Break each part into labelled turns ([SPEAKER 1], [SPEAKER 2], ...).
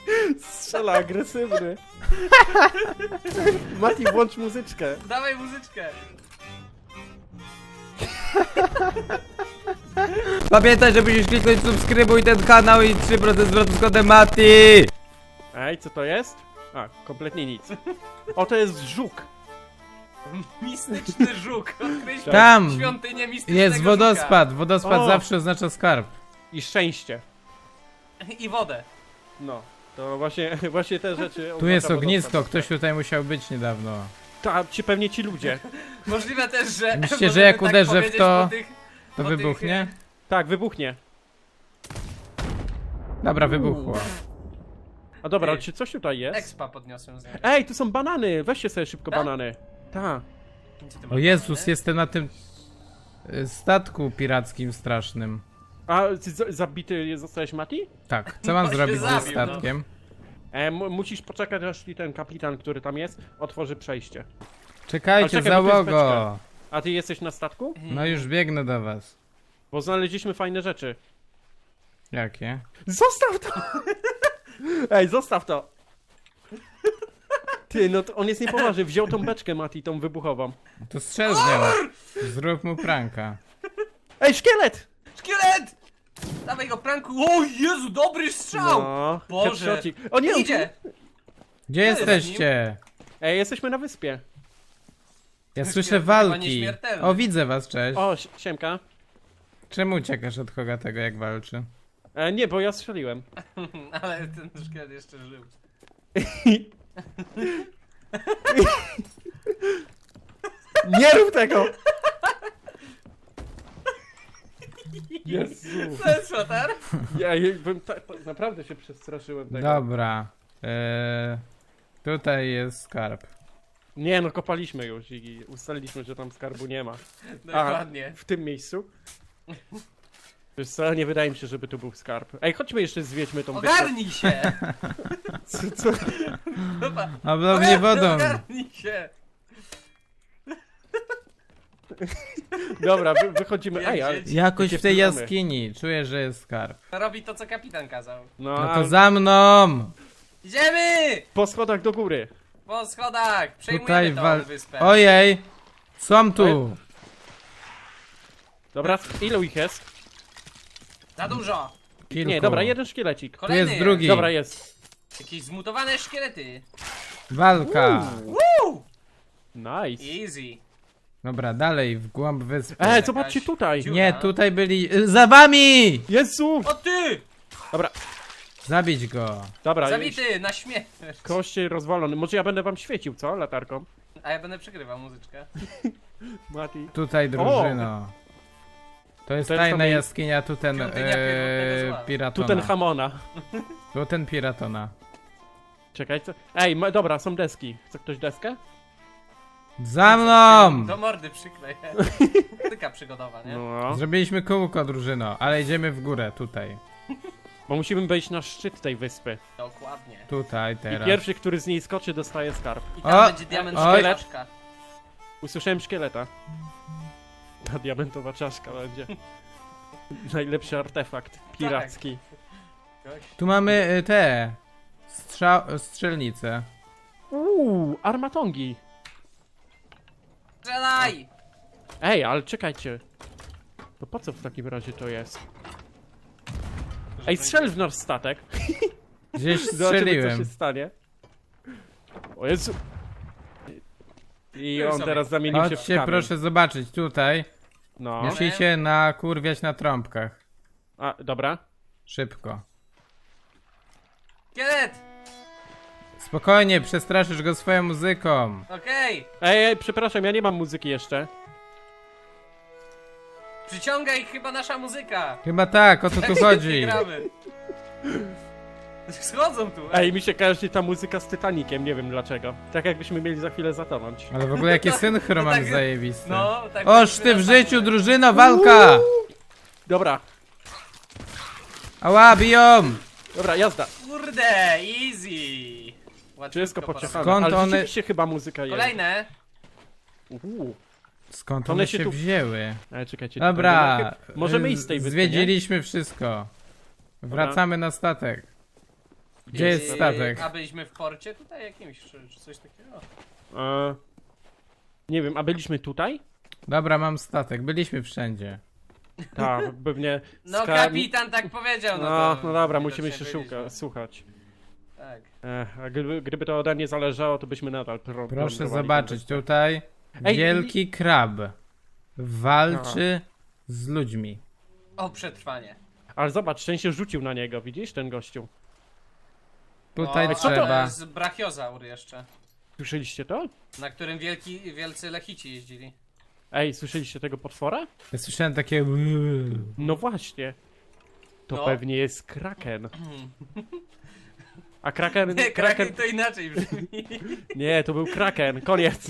[SPEAKER 1] Strzela agresywny. Mati, włącz muzyczkę.
[SPEAKER 2] Dawaj muzyczkę.
[SPEAKER 3] Pamiętaj, że musisz kliknąć subskrybuj ten kanał i 3% zwrotu z kodem Mati!
[SPEAKER 1] Ej, co to jest? A, kompletnie nic. O, to jest żuk.
[SPEAKER 2] Mistyczny żuk. Odkryliśmy
[SPEAKER 3] Tam
[SPEAKER 2] świątynię mistycznego
[SPEAKER 3] jest wodospad. Wodospad
[SPEAKER 1] O!
[SPEAKER 3] zawsze oznacza skarb.
[SPEAKER 1] I szczęście.
[SPEAKER 2] Żuka. I wodę.
[SPEAKER 1] No, to właśnie te rzeczy...
[SPEAKER 3] Tu jest
[SPEAKER 1] oznacza
[SPEAKER 3] ognisko,
[SPEAKER 1] wodospad.
[SPEAKER 3] ktoś tutaj musiał być niedawno.
[SPEAKER 1] Pewnie ci ludzie.
[SPEAKER 2] Możliwe też, że...
[SPEAKER 3] Myślicie, że
[SPEAKER 2] możemy
[SPEAKER 3] jak
[SPEAKER 2] tak
[SPEAKER 3] uderzę w
[SPEAKER 2] powiedzieć
[SPEAKER 3] to,
[SPEAKER 2] po tych,
[SPEAKER 3] To
[SPEAKER 2] po tych,
[SPEAKER 3] wybuchnie?
[SPEAKER 1] Tak, wybuchnie.
[SPEAKER 3] Dobra, wybuchło.
[SPEAKER 1] A dobra,
[SPEAKER 2] Ty.
[SPEAKER 1] czy coś tutaj jest?
[SPEAKER 2] Expa podniosłem z niego.
[SPEAKER 1] Ej, tu są banany! Weźcie sobie szybko
[SPEAKER 2] Tak?
[SPEAKER 1] banany. Tak.
[SPEAKER 2] Gdzie ty
[SPEAKER 3] O
[SPEAKER 2] masz
[SPEAKER 3] Jezus,
[SPEAKER 2] banany?
[SPEAKER 3] jestem na tym statku pirackim strasznym.
[SPEAKER 1] A ty zabity zostałeś, Mati?
[SPEAKER 3] Tak, co mam
[SPEAKER 2] No się
[SPEAKER 3] zrobić ze
[SPEAKER 2] zabił, no.
[SPEAKER 3] statkiem?
[SPEAKER 1] Musisz poczekać, aż ten kapitan, który tam jest, otworzy przejście.
[SPEAKER 3] Czekajcie,
[SPEAKER 1] Ale czekaj, bo tu jest
[SPEAKER 3] załogo!
[SPEAKER 1] A ty jesteś na statku?
[SPEAKER 3] No już biegnę do was.
[SPEAKER 1] Bo znaleźliśmy fajne rzeczy.
[SPEAKER 3] Jakie?
[SPEAKER 1] Zostaw to! Ej, zostaw to! Ty, no to on jest niepoważny. Wziął tą beczkę, Mati, tą wybuchową.
[SPEAKER 3] To strzel z nią. Zrób mu pranka.
[SPEAKER 1] Ej, szkielet!
[SPEAKER 2] Szkielet! Dawaj go, pranku. O Jezu, dobry strzał!
[SPEAKER 1] No,
[SPEAKER 2] Boże.
[SPEAKER 1] headshotik. O nie, on tu-
[SPEAKER 2] Idzie!
[SPEAKER 3] Gdzie
[SPEAKER 2] jest
[SPEAKER 3] jesteście?
[SPEAKER 1] Ej, jesteśmy na wyspie.
[SPEAKER 3] Ja
[SPEAKER 2] Szkielet
[SPEAKER 3] słyszę
[SPEAKER 2] to chyba
[SPEAKER 3] walki.
[SPEAKER 2] nieśmiertelny.
[SPEAKER 3] O, widzę was, cześć.
[SPEAKER 1] O, siemka.
[SPEAKER 3] Czemu uciekasz od Hogatego, jak walczy?
[SPEAKER 1] Nie, bo ja strzeliłem.
[SPEAKER 2] Ale ten szkielet jeszcze żył.
[SPEAKER 1] Nie rób tego! Jezu.
[SPEAKER 2] To jest flotar?
[SPEAKER 1] Ja bym naprawdę się przestraszyłem tego.
[SPEAKER 3] Dobra. Tutaj jest skarb.
[SPEAKER 1] Nie no, kopaliśmy już i ustaliliśmy, że tam skarbu nie ma.
[SPEAKER 2] Dokładnie.
[SPEAKER 1] W tym miejscu? Wiesz co, nie wydaje mi się, żeby tu był skarb. Ej, chodźmy jeszcze zwiedźmy tą wyspę.
[SPEAKER 2] Ogarnij się!
[SPEAKER 1] Co?
[SPEAKER 2] Dobra.
[SPEAKER 3] Oblownie wodą.
[SPEAKER 2] Ogarnij się!
[SPEAKER 1] Dobra, wychodzimy. Ej, ale...
[SPEAKER 3] Jakoś
[SPEAKER 1] Gdzie
[SPEAKER 3] w tej
[SPEAKER 1] wpływamy?
[SPEAKER 3] jaskini. Czuję, że jest skarb.
[SPEAKER 2] Robi to, co kapitan kazał.
[SPEAKER 1] No,
[SPEAKER 3] No
[SPEAKER 1] a
[SPEAKER 3] to za mną!
[SPEAKER 2] Idziemy!
[SPEAKER 1] po schodach do góry.
[SPEAKER 2] Po schodach!
[SPEAKER 3] Tutaj
[SPEAKER 2] Przejmujemy tą
[SPEAKER 3] wal...
[SPEAKER 2] wyspę.
[SPEAKER 3] Ojej! Są tu!
[SPEAKER 1] Dobra, ilu ich jest?
[SPEAKER 2] Za dużo!
[SPEAKER 3] Kilku.
[SPEAKER 1] Nie, dobra, jeden szkielecik.
[SPEAKER 3] Tu
[SPEAKER 2] Kolejny
[SPEAKER 3] jest drugi.
[SPEAKER 1] Dobra, jest.
[SPEAKER 2] Jakieś zmutowane szkielety.
[SPEAKER 3] Walka!
[SPEAKER 2] Woo!
[SPEAKER 1] Nice.
[SPEAKER 2] Easy.
[SPEAKER 3] Dobra, dalej, w głąb wyspy.
[SPEAKER 1] Ej, zobaczcie tutaj.
[SPEAKER 2] dziura.
[SPEAKER 3] Nie, tutaj byli... Za wami!
[SPEAKER 1] Jezu!
[SPEAKER 2] O ty!
[SPEAKER 1] Dobra,
[SPEAKER 3] Zabić go.
[SPEAKER 1] dobra.
[SPEAKER 2] Zabity na śmierć.
[SPEAKER 1] Koście rozwalony. Może ja będę wam świecił, co? Latarką.
[SPEAKER 2] A ja będę przegrywał muzyczkę.
[SPEAKER 1] Mati.
[SPEAKER 3] Tutaj drużyno. To jest
[SPEAKER 1] To jest
[SPEAKER 3] tajna
[SPEAKER 1] to mi-
[SPEAKER 3] jaskinia Tuten
[SPEAKER 2] Świątynia pierwotnego zła.
[SPEAKER 3] Piratona.
[SPEAKER 1] Tutenhamona.
[SPEAKER 3] Tuten Piratona.
[SPEAKER 1] Czekaj, co? Ej, dobra, są deski. Chce ktoś deskę?
[SPEAKER 3] Za mną!
[SPEAKER 2] Do mordy przykleję. Tyka przygodowa, nie?
[SPEAKER 1] No.
[SPEAKER 3] Zrobiliśmy kółko drużyno, ale idziemy w górę, tutaj.
[SPEAKER 1] Bo musimy wejść na szczyt tej wyspy.
[SPEAKER 2] Dokładnie.
[SPEAKER 3] Tutaj,
[SPEAKER 1] I
[SPEAKER 3] teraz.
[SPEAKER 1] pierwszy, który z niej skoczy, dostaje skarb.
[SPEAKER 2] I tam
[SPEAKER 3] O!
[SPEAKER 2] będzie diamentowa
[SPEAKER 3] Oj.
[SPEAKER 2] czaszka.
[SPEAKER 1] Usłyszałem szkieleta. Ta diamentowa czaszka będzie. Najlepszy artefakt piracki.
[SPEAKER 3] Tu mamy te... strzelnice.
[SPEAKER 1] Armatongi.
[SPEAKER 2] Strzelaj!
[SPEAKER 1] Ej, ale czekajcie. To po co w takim razie to jest? Ej, strzel w nasz statek.
[SPEAKER 3] Gdzieś
[SPEAKER 1] Zobaczymy, co
[SPEAKER 3] strzeliłem.
[SPEAKER 1] się stanie. O Jezu. I
[SPEAKER 2] Już
[SPEAKER 1] on
[SPEAKER 2] sobie.
[SPEAKER 1] teraz zamienił się w
[SPEAKER 3] Chodźcie,
[SPEAKER 1] kamień.
[SPEAKER 3] proszę zobaczyć, tutaj.
[SPEAKER 1] No.
[SPEAKER 3] Musicie nakurwiać na trąbkach.
[SPEAKER 1] A, dobra.
[SPEAKER 3] Szybko.
[SPEAKER 2] Szkielet!
[SPEAKER 3] Spokojnie, przestraszysz go swoją muzyką.
[SPEAKER 2] Okej!
[SPEAKER 1] Ej, przepraszam, ja nie mam muzyki jeszcze.
[SPEAKER 2] Przyciąga ich chyba nasza muzyka!
[SPEAKER 3] Chyba tak, o co tu chodzi.
[SPEAKER 2] Gramy. Schodzą tu!
[SPEAKER 1] Ej, mi się kojarzy ta muzyka z Titanikiem, nie wiem dlaczego. Tak jakbyśmy mieli za chwilę zatonąć.
[SPEAKER 3] Ale w ogóle jakie synchro
[SPEAKER 2] no
[SPEAKER 3] mam
[SPEAKER 2] tak-
[SPEAKER 3] zajebiste.
[SPEAKER 2] No, tak.
[SPEAKER 3] Oż ty w życiu, drużyno, walka!
[SPEAKER 1] Dobra,
[SPEAKER 3] Ała, biją!
[SPEAKER 1] dobra, jazda.
[SPEAKER 2] Kurde, easy! Łatwiutko
[SPEAKER 1] Wszystko
[SPEAKER 2] porobione.
[SPEAKER 1] pociechane.
[SPEAKER 3] Skąd
[SPEAKER 1] Ale
[SPEAKER 3] one-
[SPEAKER 1] rzeczywiście chyba muzyka jest.
[SPEAKER 2] Kolejne!
[SPEAKER 3] Skąd
[SPEAKER 1] One
[SPEAKER 3] one
[SPEAKER 1] się
[SPEAKER 3] się
[SPEAKER 1] tu-
[SPEAKER 3] wzięły?
[SPEAKER 1] Ale czekajcie.
[SPEAKER 3] Dobra,
[SPEAKER 1] tutaj możemy iść z tej wyspy, nie?
[SPEAKER 3] zwiedziliśmy wszystko. Wracamy na statek. Gdzie jest statek?
[SPEAKER 2] A byliśmy w porcie tutaj jakimś, czy coś takiego?
[SPEAKER 1] Nie wiem, a byliśmy tutaj?
[SPEAKER 3] Dobra, mam statek, byliśmy wszędzie.
[SPEAKER 1] Tak, pewnie...
[SPEAKER 2] No kapitan tak powiedział,
[SPEAKER 1] No dobra,
[SPEAKER 2] widocznie
[SPEAKER 1] musimy się
[SPEAKER 2] byliśmy.
[SPEAKER 1] słuchać.
[SPEAKER 2] Tak.
[SPEAKER 1] A gdyby to ode mnie zależało, to byśmy nadal
[SPEAKER 3] Proszę
[SPEAKER 1] plądrowali
[SPEAKER 3] zobaczyć,
[SPEAKER 1] ten
[SPEAKER 3] tutaj
[SPEAKER 1] Ej,
[SPEAKER 3] wielki krab walczy z ludźmi.
[SPEAKER 2] O, przetrwanie.
[SPEAKER 1] Ale zobacz, ten się rzucił na niego, widzisz, ten gościu?
[SPEAKER 3] Tutaj
[SPEAKER 2] No,
[SPEAKER 3] trzeba.
[SPEAKER 2] To jest brachiozaur jeszcze,
[SPEAKER 1] Słyszeliście to?
[SPEAKER 2] na którym wielcy lechici jeździli.
[SPEAKER 1] Ej, słyszeliście tego potwora?
[SPEAKER 3] Ja słyszałem takie.
[SPEAKER 1] No właśnie. To
[SPEAKER 2] No.
[SPEAKER 1] pewnie jest kraken. A kraken...
[SPEAKER 2] Nie, kraken to inaczej brzmi.
[SPEAKER 1] Nie, to był kraken, koniec.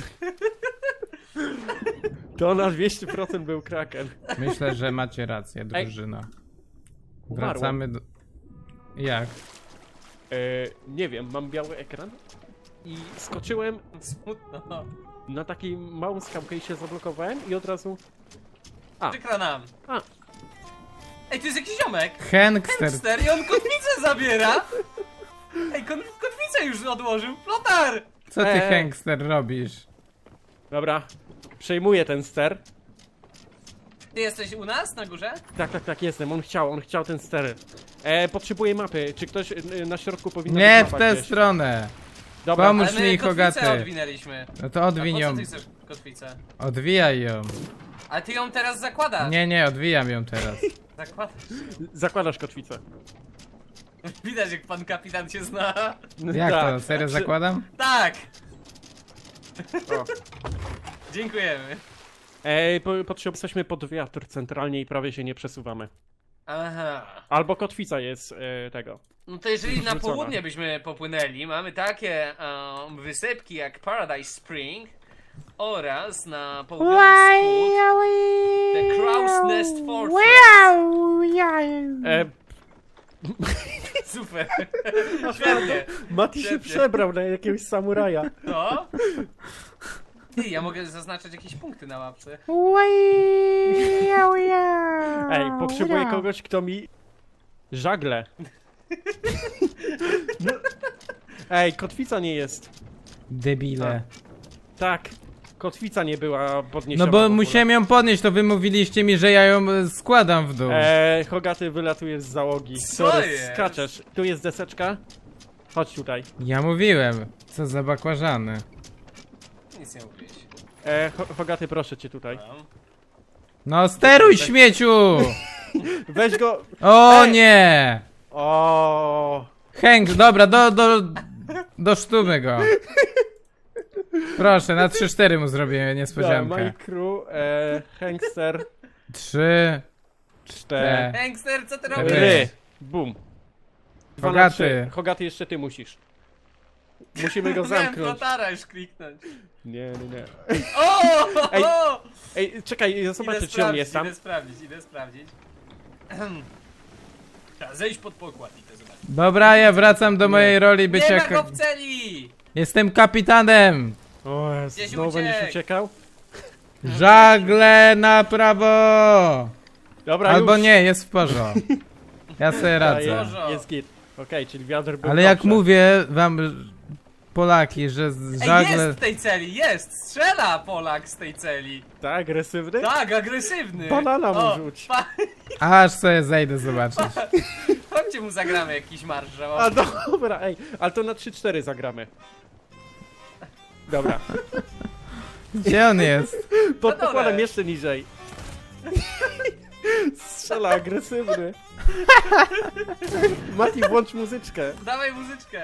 [SPEAKER 1] To na 200% był kraken.
[SPEAKER 3] Myślę, że macie rację, drużyno.
[SPEAKER 1] Umarło.
[SPEAKER 3] Wracamy do. Jak?
[SPEAKER 1] Nie wiem, mam biały ekran i skoczyłem
[SPEAKER 2] Smutno.
[SPEAKER 1] na taką małą skałkę i się zablokowałem i od razu...
[SPEAKER 2] Przykro nam.
[SPEAKER 1] A.
[SPEAKER 2] Ej, tu jest jakiś ziomek.
[SPEAKER 3] Hengster.
[SPEAKER 2] Hamster i on kotwicę zabiera. Ej, kotwicę już odłożył. Flotar!
[SPEAKER 3] Co ty, Hengster, robisz?
[SPEAKER 1] Dobra, przejmuję ten ster.
[SPEAKER 2] Ty jesteś u nas na górze?
[SPEAKER 1] Tak, jestem, on chciał ten ster. Potrzebuję mapy, czy ktoś na środku powinien
[SPEAKER 3] Nie
[SPEAKER 1] być
[SPEAKER 3] w
[SPEAKER 1] mapa
[SPEAKER 3] tę
[SPEAKER 1] gdzieś?
[SPEAKER 3] stronę!
[SPEAKER 1] Dobra,
[SPEAKER 3] Pomóż
[SPEAKER 2] Ale my
[SPEAKER 3] mi,
[SPEAKER 2] kotwicę
[SPEAKER 3] Hogaty.
[SPEAKER 2] odwinęliśmy.
[SPEAKER 3] No to
[SPEAKER 2] A
[SPEAKER 3] odwiń
[SPEAKER 2] po co
[SPEAKER 3] ją.
[SPEAKER 2] ty chcesz kotwicę?
[SPEAKER 3] Odwijaj ją.
[SPEAKER 2] Ale ty ją teraz zakładasz.
[SPEAKER 3] Nie, odwijam ją teraz.
[SPEAKER 2] Zakładasz.
[SPEAKER 1] zakładasz kotwicę.
[SPEAKER 2] Widać, jak pan kapitan się zna.
[SPEAKER 3] Jak
[SPEAKER 1] Tak.
[SPEAKER 3] to? Serio zakładam?
[SPEAKER 2] Tak!
[SPEAKER 1] O.
[SPEAKER 2] Dziękujemy.
[SPEAKER 1] Jesteśmy pod wiatr centralnie i prawie się nie przesuwamy.
[SPEAKER 2] Aha.
[SPEAKER 1] Albo kotwica jest tego.
[SPEAKER 2] No to jeżeli na
[SPEAKER 1] Wrzucona.
[SPEAKER 2] południe byśmy popłynęli, mamy takie wysypki jak Paradise Spring oraz na południowy wschód The Crow's Nest Fortress. Super. Świetnie.
[SPEAKER 1] Mati się
[SPEAKER 2] Świetnie.
[SPEAKER 1] przebrał na jakiegoś samuraja.
[SPEAKER 2] No. Ty, ja mogę zaznaczać jakieś punkty na mapce.
[SPEAKER 1] Ej, potrzebuję kogoś, kto mi... żagle. No. Ej, kotwica nie jest.
[SPEAKER 3] Debile.
[SPEAKER 1] Tak, kotwica nie była podniesiona.
[SPEAKER 3] No
[SPEAKER 1] w
[SPEAKER 3] bo
[SPEAKER 1] ogóle.
[SPEAKER 3] musiałem ją podnieść, to wy mówiliście mi, że ja ją składam w dół.
[SPEAKER 1] Hogaty wylatuje z załogi.
[SPEAKER 2] Co
[SPEAKER 1] Sorry,
[SPEAKER 2] jest?
[SPEAKER 1] skaczesz. Tu jest deseczka. Chodź tutaj.
[SPEAKER 3] Ja mówiłem. Co za bakłażany.
[SPEAKER 2] Nic nie mówiłeś.
[SPEAKER 1] Hogaty, proszę cię tutaj.
[SPEAKER 3] No steruj, śmieciu!
[SPEAKER 1] Weź go...
[SPEAKER 3] O
[SPEAKER 1] Ej!
[SPEAKER 3] nie!
[SPEAKER 1] O.
[SPEAKER 3] Hank, dobra, do sztumy go. Proszę, na 3-4 mu zrobię niespodziankę.
[SPEAKER 1] My crew, Hengster,
[SPEAKER 3] 3,
[SPEAKER 1] 4,
[SPEAKER 2] Hengster, co ty
[SPEAKER 3] Ry.
[SPEAKER 2] robisz?
[SPEAKER 1] Bum. 2 na
[SPEAKER 3] Hogaty.
[SPEAKER 1] 3. Hogaty, jeszcze ty musisz. Musimy go
[SPEAKER 2] Miałem
[SPEAKER 1] zamknąć.
[SPEAKER 2] flotara już kliknąć.
[SPEAKER 1] Nie.
[SPEAKER 2] O!
[SPEAKER 1] Ej, Ej, czekaj, ja zobaczę, czy on jest tam.
[SPEAKER 2] Idę sprawdzić. Trzeba zejść pod pokład i to zobaczyć.
[SPEAKER 3] Dobra, ja wracam do mojej roli bycia...
[SPEAKER 2] Nie ma go w celi!
[SPEAKER 3] Jestem kapitanem!
[SPEAKER 1] O Jezu,
[SPEAKER 2] Gdzieś
[SPEAKER 1] znowu będziesz
[SPEAKER 2] uciekł.
[SPEAKER 1] uciekał?
[SPEAKER 3] Żagle na prawo!
[SPEAKER 1] Dobra,
[SPEAKER 3] Albo
[SPEAKER 1] już.
[SPEAKER 3] nie, jest w porządku. Ja sobie radzę.
[SPEAKER 1] Jest,
[SPEAKER 2] Porządku.
[SPEAKER 1] jest git. Okej, czyli wiatr był
[SPEAKER 3] Ale jak
[SPEAKER 1] dobrze.
[SPEAKER 3] mówię wam, Polaki, że
[SPEAKER 2] Ej,
[SPEAKER 3] żagle...
[SPEAKER 2] jest w tej celi, jest! Strzela Polak z tej celi.
[SPEAKER 1] Tak, agresywny?
[SPEAKER 2] Tak, agresywny.
[SPEAKER 1] Banana mu
[SPEAKER 2] O,
[SPEAKER 1] rzuć.
[SPEAKER 3] Aż sobie zejdę zobaczyć.
[SPEAKER 2] Chodźcie mu zagramy jakiś marsz
[SPEAKER 1] A
[SPEAKER 2] żałobny.
[SPEAKER 1] dobra, ej, ale to na 3-4 zagramy. Dobra,
[SPEAKER 3] Gdzie on jest?
[SPEAKER 1] pod
[SPEAKER 2] dole.
[SPEAKER 1] pokładem jeszcze niżej. Strzela agresywny. Mati, włącz muzyczkę.
[SPEAKER 2] Dawaj muzyczkę.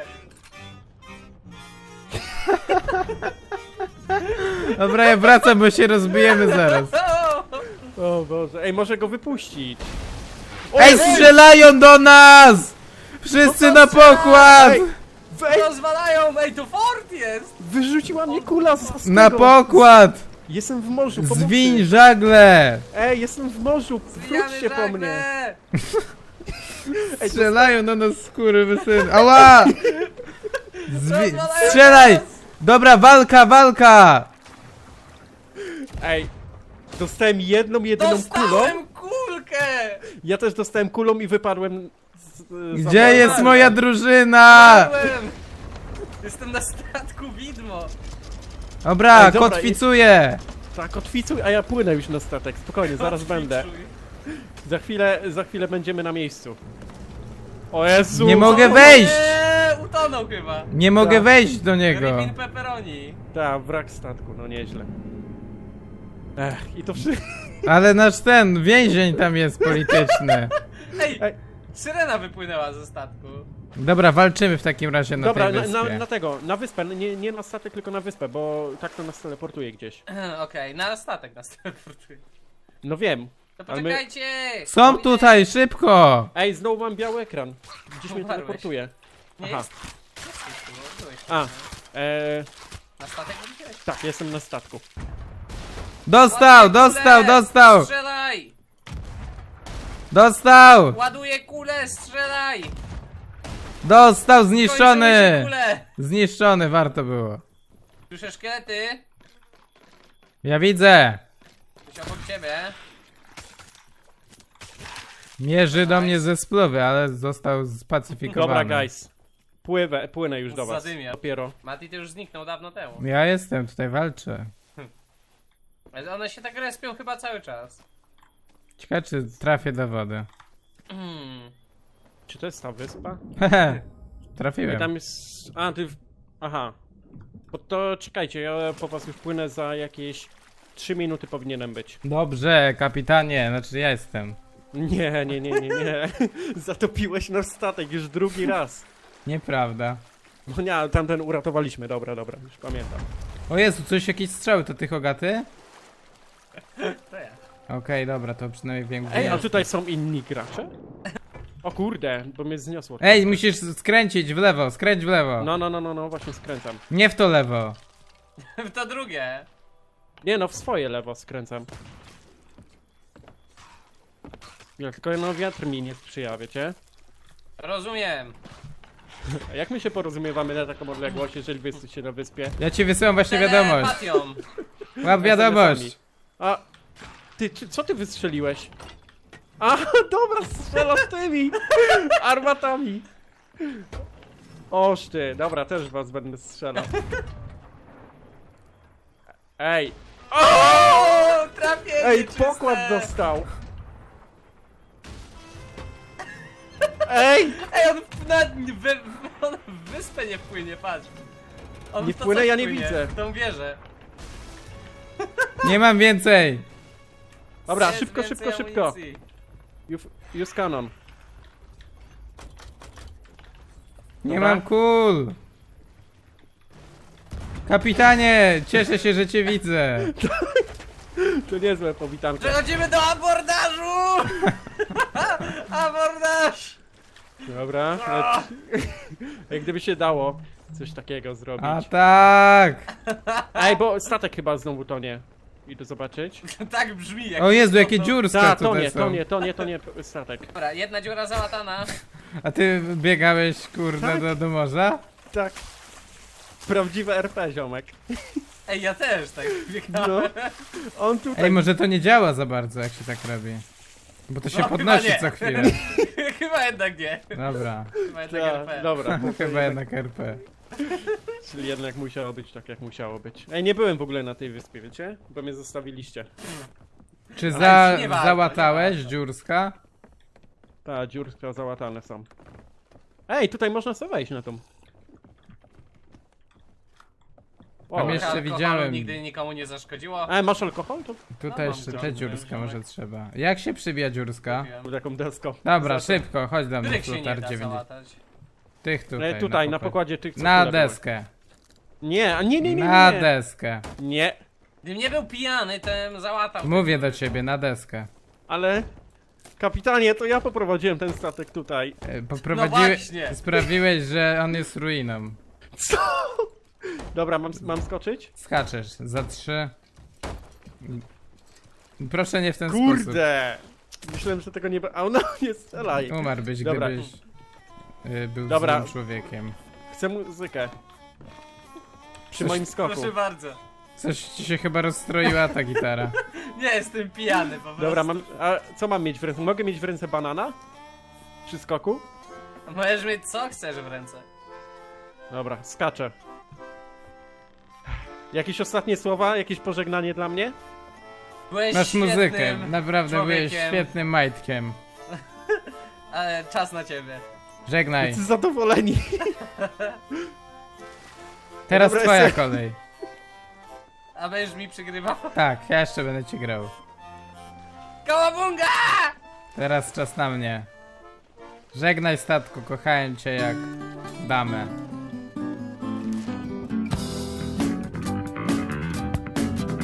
[SPEAKER 3] Dobra, ja wracam, bo się rozbijemy zaraz.
[SPEAKER 1] O Boże, ej, może go wypuścić.
[SPEAKER 3] Ej, strzelają do nas! Wszyscy na pokład!
[SPEAKER 1] Ej, wej,
[SPEAKER 2] Rozwalają, ej, to fort jest!
[SPEAKER 1] wyrzuciła mnie kula z
[SPEAKER 3] Na
[SPEAKER 1] tego.
[SPEAKER 3] pokład!
[SPEAKER 1] Jestem w morzu, pomocy.
[SPEAKER 3] Zwiń żagle!
[SPEAKER 1] Ej, jestem w morzu, wróćcie po mnie. Ej,
[SPEAKER 3] Strzelają do nas skurwysyn. Ała!
[SPEAKER 2] Rozwalają
[SPEAKER 3] Strzelaj!
[SPEAKER 2] nas!
[SPEAKER 3] Dobra, walka!
[SPEAKER 1] Ej, dostałem jedną kulą.
[SPEAKER 2] Dostałem kulkę!
[SPEAKER 1] Ja też dostałem kulą i wypadłem
[SPEAKER 3] Gdzie jest moja drużyna?
[SPEAKER 2] Padłem! Jestem na statku widmo.
[SPEAKER 3] Dobra,
[SPEAKER 1] Ej, dobra,
[SPEAKER 3] kotwicuję.
[SPEAKER 1] Tak, kotwicuj, a ja płynę już na statek. Spokojnie, zaraz będę. Za chwilę będziemy na miejscu. O Jezu!
[SPEAKER 3] Nie mogę
[SPEAKER 2] O
[SPEAKER 3] wejść!
[SPEAKER 2] Nie, utonął chyba.
[SPEAKER 3] Nie mogę
[SPEAKER 1] Tak.
[SPEAKER 3] wejść do niego.
[SPEAKER 2] Rybin pepperoni.
[SPEAKER 1] Tak, wrak statku, no nieźle. I to wszystko.
[SPEAKER 3] Ale nasz ten więzień tam jest polityczny.
[SPEAKER 2] Ej,
[SPEAKER 1] Ej.
[SPEAKER 2] syrena wypłynęła ze statku.
[SPEAKER 3] Dobra, walczymy w takim razie na
[SPEAKER 1] Dobra,
[SPEAKER 3] tej wyspie.
[SPEAKER 1] na tego, na wyspę, nie na statek, tylko na wyspę, bo tak to nas teleportuje gdzieś.
[SPEAKER 2] Okej, na statek nas teleportuje.
[SPEAKER 1] No wiem.
[SPEAKER 2] To
[SPEAKER 1] Ale my-
[SPEAKER 2] poczekajcie!
[SPEAKER 3] Są tutaj, szybko!
[SPEAKER 1] Ej, znowu mam biały ekran. Gdzieś mnie
[SPEAKER 2] Umarłeś.
[SPEAKER 1] teleportuje.
[SPEAKER 2] Nie
[SPEAKER 1] Aha.
[SPEAKER 2] jest. Jesteś tu, byłeś tu.
[SPEAKER 1] A,
[SPEAKER 2] Na statek wróciłeś?
[SPEAKER 1] tak, jestem na statku.
[SPEAKER 3] Dostał,
[SPEAKER 2] Ładuję
[SPEAKER 3] dostał,
[SPEAKER 2] kulę!
[SPEAKER 3] dostał!
[SPEAKER 2] Strzelaj!
[SPEAKER 3] Dostał!
[SPEAKER 2] Ładuję kulę, strzelaj!
[SPEAKER 3] Dostał,
[SPEAKER 2] Kończyły się
[SPEAKER 3] zniszczony!
[SPEAKER 2] kule!
[SPEAKER 3] Zniszczony, warto było.
[SPEAKER 2] Słyszę szkielety?
[SPEAKER 3] Ja widzę!
[SPEAKER 2] Coś obok ciebie.
[SPEAKER 3] Mierzy do mnie ze spluwy, ale został spacyfikowany.
[SPEAKER 1] Dobra, guys. Płynę już do was.
[SPEAKER 2] Zadymia.
[SPEAKER 1] Dopiero.
[SPEAKER 2] Mati to już zniknął dawno temu.
[SPEAKER 3] Ja jestem, tutaj walczę.
[SPEAKER 2] Ale one się tak respią chyba cały czas.
[SPEAKER 3] Ciekawe, czy trafię do wody.
[SPEAKER 1] Czy to jest ta wyspa?
[SPEAKER 3] Hehe,
[SPEAKER 1] I
[SPEAKER 3] trafiłem.
[SPEAKER 1] tam jest... A, ty... Aha. Bo to czekajcie, ja po was już płynę za jakieś 3 minuty powinienem być.
[SPEAKER 3] Dobrze, kapitanie, znaczy ja jestem.
[SPEAKER 1] Nie. Zatopiłeś nasz statek już drugi raz.
[SPEAKER 3] Nieprawda.
[SPEAKER 1] No nie, tamten uratowaliśmy, dobra, już pamiętam.
[SPEAKER 3] O Jezu, coś, jakieś strzały, to ty Hogaty?
[SPEAKER 2] To ja.
[SPEAKER 3] Okej, dobra, to przynajmniej wiem gdzie
[SPEAKER 1] Ej, a
[SPEAKER 3] jest.
[SPEAKER 1] tutaj są inni gracze? O kurde, bo mnie zniosło.
[SPEAKER 3] Ej, musisz skręcić w lewo, skręć w lewo.
[SPEAKER 1] No, właśnie skręcam.
[SPEAKER 3] Nie w to lewo.
[SPEAKER 2] To drugie.
[SPEAKER 1] Nie no, w swoje lewo skręcam. Ja tylko no wiatr mi nie sprzyja, wiecie?
[SPEAKER 2] Rozumiem.
[SPEAKER 1] A jak my się porozumiewamy na taką odległość, jeżeli wy jesteście na wyspie?
[SPEAKER 3] Ja ci wysyłam właśnie wiadomość.
[SPEAKER 2] Telepatią.
[SPEAKER 3] Łap wiadomość.
[SPEAKER 1] A, co ty wystrzeliłeś? A, dobra, strzelasz tymi armatami. Oż ty, dobra, też was będę strzelał. Ej,
[SPEAKER 2] O, trafię!
[SPEAKER 1] ej,
[SPEAKER 2] nieczyste.
[SPEAKER 1] pokład dostał. Ej,
[SPEAKER 2] Ej, on on w wyspę nie wpłynie, patrz. On
[SPEAKER 1] Nie
[SPEAKER 2] w to
[SPEAKER 1] wpłynę,
[SPEAKER 2] coś
[SPEAKER 1] ja nie
[SPEAKER 2] wpłynie,
[SPEAKER 1] widzę.
[SPEAKER 2] w tą wieżę.
[SPEAKER 3] Nie mam więcej.
[SPEAKER 1] dobra,
[SPEAKER 2] Jest
[SPEAKER 1] szybko.
[SPEAKER 2] więcej amunicji.
[SPEAKER 1] Use cannon.
[SPEAKER 3] Nie
[SPEAKER 1] Dobra.
[SPEAKER 3] mam kul. Kapitanie, cieszę się, że cię widzę.
[SPEAKER 1] To niezłe powitanko.
[SPEAKER 2] Przechodzimy do abordażu! Abordaż!
[SPEAKER 1] Dobra, jak gdyby się dało coś takiego zrobić.
[SPEAKER 3] A tak.
[SPEAKER 1] Ej, bo statek chyba znowu tonie. Idę zobaczyć.
[SPEAKER 2] Tak brzmi jak...
[SPEAKER 3] O Jezu, jakie dziurska
[SPEAKER 1] Ta,
[SPEAKER 3] tutaj są.
[SPEAKER 1] tonie statek.
[SPEAKER 2] Dobra, jedna dziura załatana.
[SPEAKER 3] A ty biegałeś, kurde,
[SPEAKER 1] Tak.
[SPEAKER 3] do morza?
[SPEAKER 1] Tak. Prawdziwe RP, ziomek.
[SPEAKER 2] Ej, ja też tak biegałem.
[SPEAKER 1] No. On tutaj...
[SPEAKER 3] Ej, może to nie działa za bardzo, jak się tak robi. Bo to się
[SPEAKER 2] No,
[SPEAKER 3] podnosi
[SPEAKER 2] chyba nie.
[SPEAKER 3] co chwilę.
[SPEAKER 2] Chyba jednak nie.
[SPEAKER 3] Dobra,
[SPEAKER 2] Chyba jednak
[SPEAKER 1] Ta,
[SPEAKER 2] RP.
[SPEAKER 1] dobra,
[SPEAKER 3] chyba jednak RP.
[SPEAKER 1] czyli jednak musiało być tak, jak musiało być. Ej, nie byłem w ogóle na tej wyspie, wiecie? Bo mnie zostawiliście.
[SPEAKER 3] Czy
[SPEAKER 2] Ale nie warto,
[SPEAKER 3] załatałeś
[SPEAKER 2] nie warto.
[SPEAKER 3] dziurska?
[SPEAKER 1] Ta, dziurka załatane są. Ej, tutaj można sobie wejść na tą.
[SPEAKER 3] Tam
[SPEAKER 1] O,
[SPEAKER 3] jeszcze
[SPEAKER 2] Alkoholu
[SPEAKER 3] widziałem.
[SPEAKER 2] nigdy nikomu nie zaszkodziło.
[SPEAKER 1] masz alkohol? To
[SPEAKER 3] Tutaj
[SPEAKER 2] mam
[SPEAKER 3] jeszcze
[SPEAKER 2] trochę,
[SPEAKER 3] te dziurska
[SPEAKER 2] wziąłem.
[SPEAKER 3] może trzeba. Jak się przybija dziurska?
[SPEAKER 2] Kupiłem.
[SPEAKER 1] taką deską.
[SPEAKER 3] Dobra,
[SPEAKER 1] Za to.
[SPEAKER 3] szybko, chodź do mnie,
[SPEAKER 2] Których się nie
[SPEAKER 3] Plutar
[SPEAKER 2] da
[SPEAKER 3] 90.
[SPEAKER 2] załatać.
[SPEAKER 3] Tych tutaj,
[SPEAKER 1] Tutaj, na
[SPEAKER 3] pokład.
[SPEAKER 1] pokładzie tych, co
[SPEAKER 3] Na
[SPEAKER 1] tyle były.
[SPEAKER 3] deskę.
[SPEAKER 1] Nie, nie.
[SPEAKER 3] Na deskę.
[SPEAKER 1] Nie,
[SPEAKER 2] Gdybym nie był pijany, to bym załatał.
[SPEAKER 3] Mówię do ciebie, na deskę.
[SPEAKER 1] ale... Kapitanie, to ja poprowadziłem ten statek tutaj.
[SPEAKER 2] właśnie.
[SPEAKER 3] Sprawiłeś, że on jest ruiną.
[SPEAKER 1] Co? Dobra, mam skoczyć?
[SPEAKER 3] Skaczesz za 3. Proszę nie w ten sposób.
[SPEAKER 1] Kurde! Myślałem, że tego nie... A no, nie strzelaj.
[SPEAKER 3] Umarłbyś,
[SPEAKER 1] Dobra.
[SPEAKER 3] gdybyś był
[SPEAKER 1] Dobra.
[SPEAKER 3] złym człowiekiem.
[SPEAKER 1] Chcę muzykę. Przy
[SPEAKER 3] Coś-
[SPEAKER 1] moim skoku.
[SPEAKER 2] Proszę bardzo.
[SPEAKER 3] Coś ci się chyba rozstroiła ta gitara.
[SPEAKER 2] Nie, jestem pijany po prostu.
[SPEAKER 1] Dobra, a co mam mieć w ręce? Mogę mieć w ręce banana? Przy skoku?
[SPEAKER 2] Możesz mieć co chcesz w ręce.
[SPEAKER 1] Dobra, skaczę. Jakieś ostatnie słowa? Jakieś pożegnanie dla mnie?
[SPEAKER 2] Byłeś
[SPEAKER 3] Masz muzykę,
[SPEAKER 2] świetnym
[SPEAKER 3] naprawdę byłeś
[SPEAKER 2] człowiekiem,
[SPEAKER 3] świetnym majtkiem.
[SPEAKER 2] Ale czas na ciebie.
[SPEAKER 3] Żegnaj.
[SPEAKER 1] Jesteś zadowoleni.
[SPEAKER 3] Teraz
[SPEAKER 1] Dobra,
[SPEAKER 3] twoja
[SPEAKER 1] jestem.
[SPEAKER 3] kolej.
[SPEAKER 2] A będziesz mi przygrywał?
[SPEAKER 3] Tak, ja jeszcze będę ci grał.
[SPEAKER 2] Kałabunga!
[SPEAKER 3] Teraz czas na mnie. Żegnaj statku, kochałem cię jak damę.